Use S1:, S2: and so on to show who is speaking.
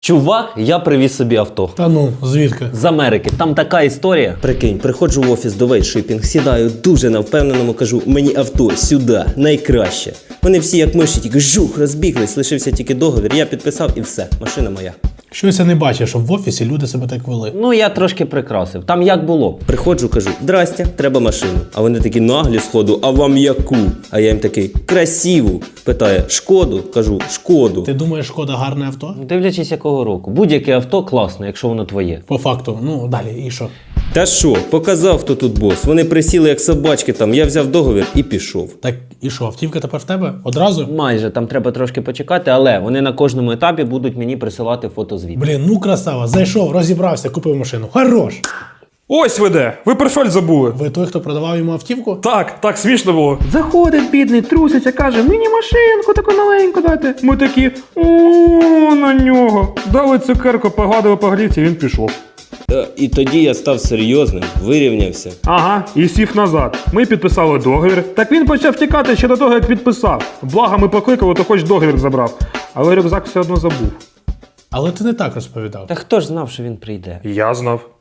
S1: Чувак, я привіз собі авто.
S2: Та ну, звідки?
S1: З Америки. Там така історія. Прикинь, приходжу в офіс до Вейтшипінг, сідаю дуже на впевненому, кажу, мені авто сюди, найкраще. Вони всі як миші, тільки жух, розбіглись, лишився тільки договір, я підписав і все, машина моя.
S2: Щось я не бачив, щоб в офісі люди себе так вели.
S1: Ну, я трошки прикрасив. Там як було? Приходжу, кажу, здрастя, треба машину. А вони такі наглі сходу, а вам яку? А я їм такий, красиву. Питає, шкоду? Кажу, шкоду.
S2: Ти думаєш, Шкода гарне авто?
S1: Дивлячись якого року. Будь-яке авто класне, якщо воно твоє.
S2: По факту, ну далі, і що?
S1: Та що, показав, хто тут бос. Вони присіли як собачки там, я взяв договір і пішов.
S2: Так і що, автівка тепер в тебе? Одразу?
S1: Майже, там треба трошки почекати, але вони на кожному етапі будуть мені присилати фотозвіт.
S2: Блін, ну красава, зайшов, розібрався, купив машину. Хорош!
S3: Ось ви де! Ви портфель забули.
S2: Ви той, хто продавав йому автівку?
S3: Так смішно було.
S4: Заходить бідний, труситься, каже, мені машинку таку маленьку дайте. Ми такі, о, на нього. Дали цукерку, погладили по грівці, він пішов.
S1: І тоді я став серйозним, вирівнявся.
S4: Ага, і сів назад. Ми підписали договір. Так він почав тікати ще до того, як підписав. Благо ми покликали, то хоч договір забрав. Але рюкзак все одно забув.
S2: Але ти не так розповідав.
S1: Та хто ж знав, що він прийде?
S3: Я знав.